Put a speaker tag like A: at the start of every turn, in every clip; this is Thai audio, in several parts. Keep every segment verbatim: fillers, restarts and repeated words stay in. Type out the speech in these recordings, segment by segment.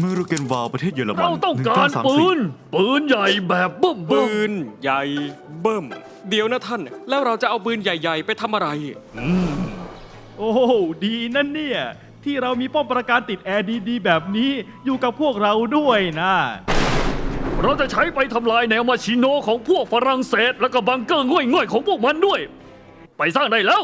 A: เมืองรูเกนวาลประเทศเยอรมัน
B: เราต้องการปืน ปืนใหญ่แบบบึ้มบึ้
C: ปื
B: ม
C: นใหญ่เบิ่มเดี๋ยวนะท่าน แล้วเราจะเอาปืนใหญ่ ๆ ไปทำอะไร
D: โอ้ดีนั่นเนี่ย ที่เรามีป้อมปราการติดแอร์ดีๆแบบนี้อยู่กับพวกเราด้วยนะ
B: เราจะใช้ไปทำลายแนวมาชิโนของพวกฝรั่งเศส แล้วก็บังเกอร์ง่อยๆของพวกมันด้วย ไปสร้างได้แล้ว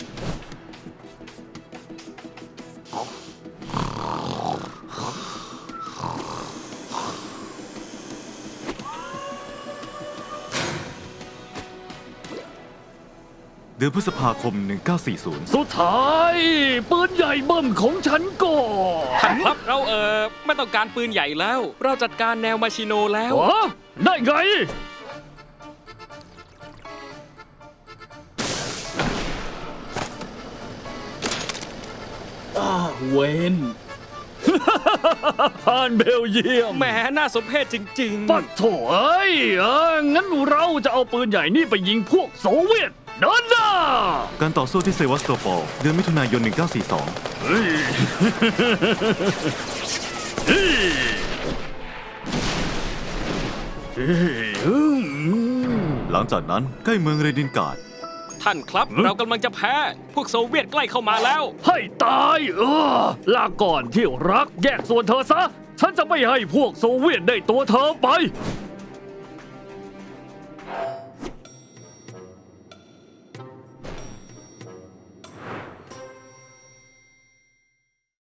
A: เดือนพฤษภาคม หนึ่งเก้าสี่ศูนย์
B: สุดท้ายปืนใหญ่เบิ่มของฉันก็
C: ท่านครับเราเออไม่ต้องการปืนใหญ่แล้ว เราจัดการแนวมาชิโนแล้ว
B: วะได้ไง
D: เวน
B: ผ่านเบลเยียม
C: แหมน่าสมเพชจริง
B: ปัดโถเอ้ยเอองั้นเราจะเอาปืนใหญ่นี่ไปยิงพวกโซเวียตเดินหน้า
A: การต่อสู้ที่เซวัสโตโปลเดือนมิถุนายน หนึ่งเก้าสี่สอง
B: เฮ้ยเฮ้ยเฮ้ยอืม
A: หลังจากนั้นใกล้เมืองเรดินการ์ด
C: ๆ ท่านครับ เรากำลังจะแพ้ พวกโซเวียตใกล้เข้ามาแล้ว
B: ให้ตายเออลาก่อนที่รักแยกส่วนเธอซะ ฉันจะไม่ให้พวกโซเวียตได้ตัวเธอไป